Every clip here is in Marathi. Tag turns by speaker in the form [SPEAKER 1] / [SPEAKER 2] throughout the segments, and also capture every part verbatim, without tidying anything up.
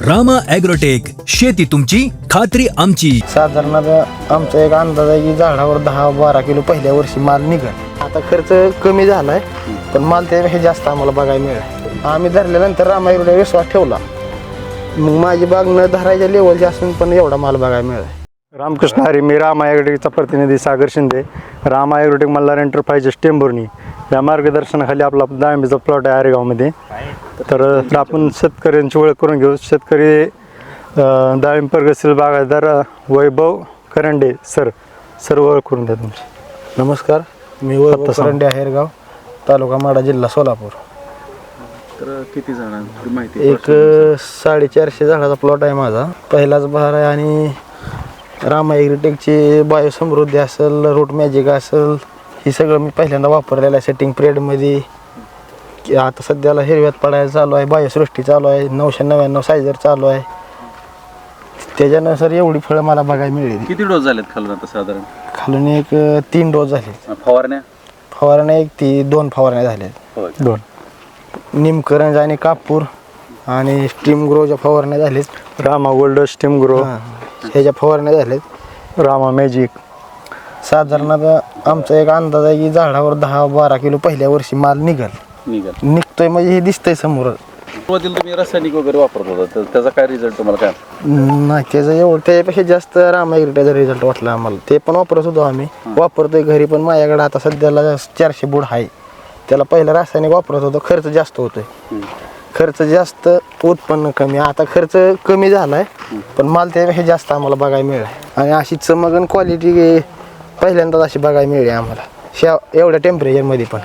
[SPEAKER 1] रामा ॲग्रोटेक, शेती तुमची खात्री आमची.
[SPEAKER 2] साधारणतः आमचा एक अंदाज आहे की झाडावर दहा बारा किलो पहिल्या वर्षी माल निघल. आता खर्च कमी झालाय पण माल त्यापेक्षा जास्त आम्हाला बघायला मिळेल. आम्ही धरल्यानंतर रामा ॲग्रोटेक विश्वास ठेवला, मग माझी बाग न धरायच्या लेवलची असून पण एवढा माल बघायला मिळाला.
[SPEAKER 3] रामकृष्ण हरी, मी रामा ॲग्रोटेकचा प्रतिनिधी सागर शिंदे. रामा ॲग्रोटेक मल्हार एंटरप्राइजेस टेंभुर्णी या मार्गदर्शनाखाली आपला डाळिंबीचा प्लॉट आहे आरेगावमध्ये. तर आपण शेतकऱ्यांची ओळख करून घेऊ. शेतकरी डाळिंब प्रगतशील बागायतदार वैभव करंडे सर सर ओळख करून द्या तुमची.
[SPEAKER 2] नमस्कार, मी वैभव करंडे, आहेरगाव, तालुका माडा, जिल्हा सोलापूर.
[SPEAKER 4] तर किती झाडांची माहिती?
[SPEAKER 2] एक साडेचारशे झाडाचा प्लॉट आहे माझा. पहिलाच बहार आहे आणि रामा ॲग्रोटेकची बायोसमृद्धी असेल, रूट मॅजिक असेल, हे सगळं मी पहिल्यांदा वापरलेलं आहे सेटिंग पिरियडमध्ये. आता सध्याला हिरव्यात पडायला चालू आहे, बायोसृष्टी चालू आहे, नऊशे नव्याण्णव सायझर चालू आहे. त्याच्यानुसार एवढी फळं मला बघायला मिळेल.
[SPEAKER 4] किती डोस झालेत खालून आता साधारण?
[SPEAKER 2] खालून एक तीन डोस झाले.
[SPEAKER 4] फवारण्या
[SPEAKER 2] फवारण्या एक ती दोन फवारण्या झाल्या.
[SPEAKER 3] दोन
[SPEAKER 2] निमकरंज आणि कापूर आणि स्टीम ग्रोच्या फवारण्या झाल्यात.
[SPEAKER 3] रामा गोल्ड, स्टीम ग्रो,
[SPEAKER 2] ह्याच्या फवारण्या झाल्यात.
[SPEAKER 3] रामा मॅजिक.
[SPEAKER 2] साधारणतः आमचा एक अंदाज आहे की झाडावर दहा बारा किलो पहिल्या वर्षी माल निघल
[SPEAKER 4] निघाल
[SPEAKER 2] निघतोय म्हणजे हे दिसतंय समोर.
[SPEAKER 4] सुरुवातीला तुम्ही रासायनिक वगैरे वापरत होता, तर त्याचा काय रिझल्ट तुम्हाला काय?
[SPEAKER 2] नाही, त्याचं एवढं त्यापेक्षा जास्त रामा ॲग्रोटेकचा रिझल्ट वाटला आम्हाला. ते पण वापरत होतो आम्ही, वापरतोय घरी पण. माझ्याकडे आता सध्याला चारशे बुड आहे. त्याला पहिलं रासायनिक वापरत होतो, खर्च जास्त होतोय. खर्च जास्त, उत्पन्न कमी. आता खर्च कमी झालाय पण माल त्यापेक्षा जास्त आम्हाला बघायला मिळाला. आणि अशी चमक आणि क्वालिटी पहिल्यांदाच अशी बघायला मिळाली आम्हाला शा एवढ्या टेम्परेचरमध्ये पण.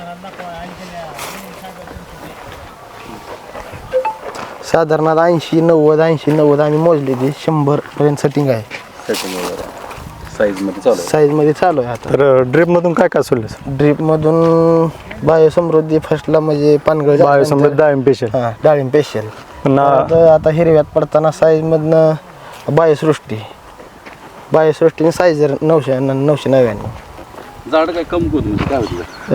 [SPEAKER 2] साधारणतः ऐंशी नव्वद ऐंशी नव्वद आम्ही मोजली, ती शंभर पर्यंत सेटिंग आहे.
[SPEAKER 4] सेटिंग वगैरे साईजमध्ये चालू आहे?
[SPEAKER 2] साईजमध्ये चालू आहे. आता
[SPEAKER 3] तर ड्रिपमधून काय काय सोडलं?
[SPEAKER 2] ड्रीपमधून बायोसमृद्धी फर्स्टला म्हणजे पानगळ
[SPEAKER 3] बायोसमृद्धी डाळिंब पेशल.
[SPEAKER 2] हां, डाळिंब स्पेशल.
[SPEAKER 3] पुन्हा
[SPEAKER 2] आता हिरव्यात पडताना साईजमधनं बायोसृष्टी बायोसृष्टीने साईजर नऊशे नऊशे नव्याण्णव.
[SPEAKER 4] झाड काय कमकुवत म्हणजे काय होतं?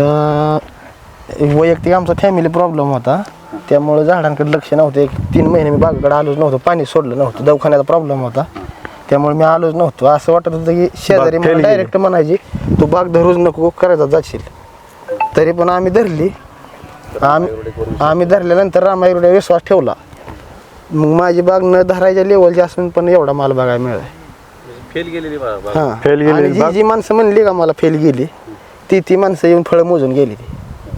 [SPEAKER 2] अं, वैयक्तिक आमचा फॅमिली प्रॉब्लेम होता, त्यामुळे झाडांकडे लक्ष नव्हतं. एक तीन महिने मी बागेकडे आलोच नव्हतं, पाणी सोडलं नव्हतं, दवाखान्याचा प्रॉब्लेम होता, त्यामुळे मी आलोच नव्हतो. असं वाटत होतं की शेजारी मला डायरेक्ट म्हणायची तू बाग धरूच नको, करायचा जाशील. तरी पण आम्ही धरली. आम्ही आम्ही धरल्यानंतर रामा ॲग्रोटेकवर विश्वास ठेवला, मग माझी बाग न धरायच्या लेवलची असून पण एवढा माल बघायला मिळाला.
[SPEAKER 4] फेल गेलेली बाग?
[SPEAKER 2] हां,
[SPEAKER 3] फेल गेलेली
[SPEAKER 2] आणि जी जी माणसं म्हणली का मला फेल गेली, ती ती माणसं येऊन फळं मोजून गेली. ती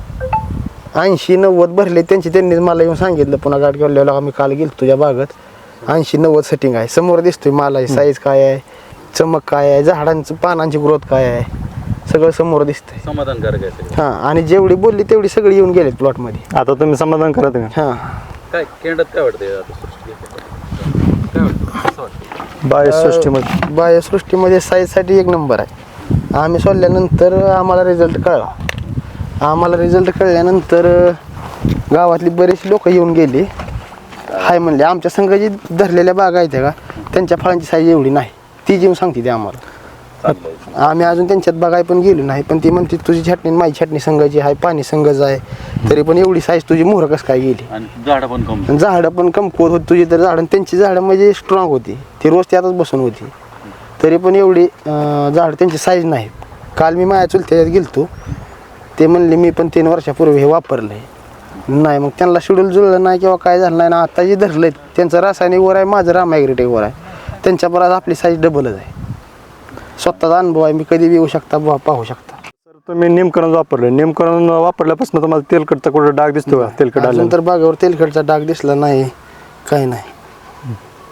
[SPEAKER 2] ऐंशी नव्वद भरले त्यांची, त्यांनीच मला येऊन सांगितलं. पुन्हा गाठ गेलेला आम्ही काल गेलो तुझ्या बागत, ऐंशी नव्वद सेटिंग आहे. समोर दिसतोय मालाची साईज काय आहे, चमक काय आहे, झाडांचं पानांची ग्रोथ काय आहे, सगळं समोर दिसतंय.
[SPEAKER 4] समाधानकारक आहे सगळं.
[SPEAKER 2] हां, आणि जेवढी बोलली तेवढी सगळी येऊन गेलेत प्लॉटमध्ये.
[SPEAKER 3] आता तुम्ही समाधान करत का?
[SPEAKER 2] हां,
[SPEAKER 4] काय केंडात काय वाटतंय आता सृष्टी? काय वाटतं, कसं वाटतं?
[SPEAKER 3] बायोसृष्टीमध्ये
[SPEAKER 2] बायोसृष्टीमध्ये साईजसाठी एक नंबर आहे. आम्ही सोडल्यानंतर आम्हाला रिझल्ट कळला. आम्हाला रिझल्ट कळल्यानंतर गावातली बरेचशी लोक येऊन गेली, हाय म्हणले. आमच्या संघ जी धरलेल्या बागा आहेत का, त्यांच्या फळांची साईज एवढी नाही, ती येऊन सांगते ते आम्हाला. आम्ही अजून त्यांच्यात बघाय पण गेलो नाही, पण ती म्हणते तुझी छाटणी माझी छाटणी संघाची आहे, पाणी संघच आहे, तरी पण एवढी साईज तुझी मोहर कसं काय गेली.
[SPEAKER 4] आणि झाडं पण कम
[SPEAKER 2] झाडं पण कमकुवत होती तुझी, तर झाडं त्यांची झाडं म्हणजे स्ट्रॉंग होती, ती रोज त्यातच बसून होती, तरी पण एवढी झाडं त्यांची साईज नाही. काल मी माझ्या चुलत्याच्यात गेलतो, ते म्हणले मी पण तीन वर्षापूर्वी हे वापरलं आहे. नाही, मग त्यांना शेड्यूल जुळलं नाही किंवा काय झालं नाही ना. आता जे धरलं आहे त्यांचं रासायनिकवर आहे, माझं रामा ॲग्रोटेकवर आहे. त्यांच्या परत आपली साईज डबलच आहे. स्वतःचा अनुभव आहे, मी कधी येऊ शकता पाहू शकता.
[SPEAKER 3] तर तुम्ही निमकरण वापरलं, निमकरण वापरल्यापासून तुम्हाला तेलकटचा कुठं डाग दिसतो का? तेलकट आलं
[SPEAKER 2] तर बागावर तेलकटचा डाग दिसला नाही, काही नाही.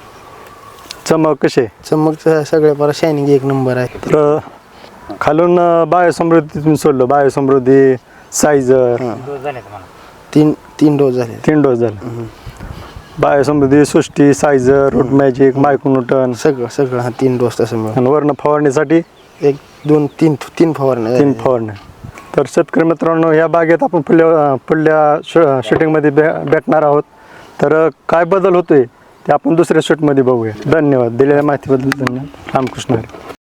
[SPEAKER 3] चमक कशी?
[SPEAKER 2] चमक सगळ्या परत शायनिंग एक नंबर आहे.
[SPEAKER 3] तर खालून बायोसमृद्धी तुम्ही सोडलं, बायोसमृद्धी सायझर
[SPEAKER 2] तीन तीन डोस झाले.
[SPEAKER 3] तीन डोस झाले. बायोसमृद्धी, सृष्टी, सायझर, रूट मॅजिक, मायक्रोन्यूटन
[SPEAKER 2] सगळं सगळं हा तीन डोस तसं मिळून.
[SPEAKER 3] आणि वर्ण फवारणीसाठी
[SPEAKER 2] एक दोन तीन तीन फवारण्या
[SPEAKER 3] तीन फवारण्या. तर शेतकरी मित्रांनो, या बागेत आपण पुढल्या पुढल्या श शूटिंगमध्ये भे भेटणार आहोत. तर काय बदल होतोय ते आपण दुसऱ्या शूटमध्ये बघूया. धन्यवाद. दिलेल्या माहितीबद्दल धन्यवाद. रामकृष्ण हरी.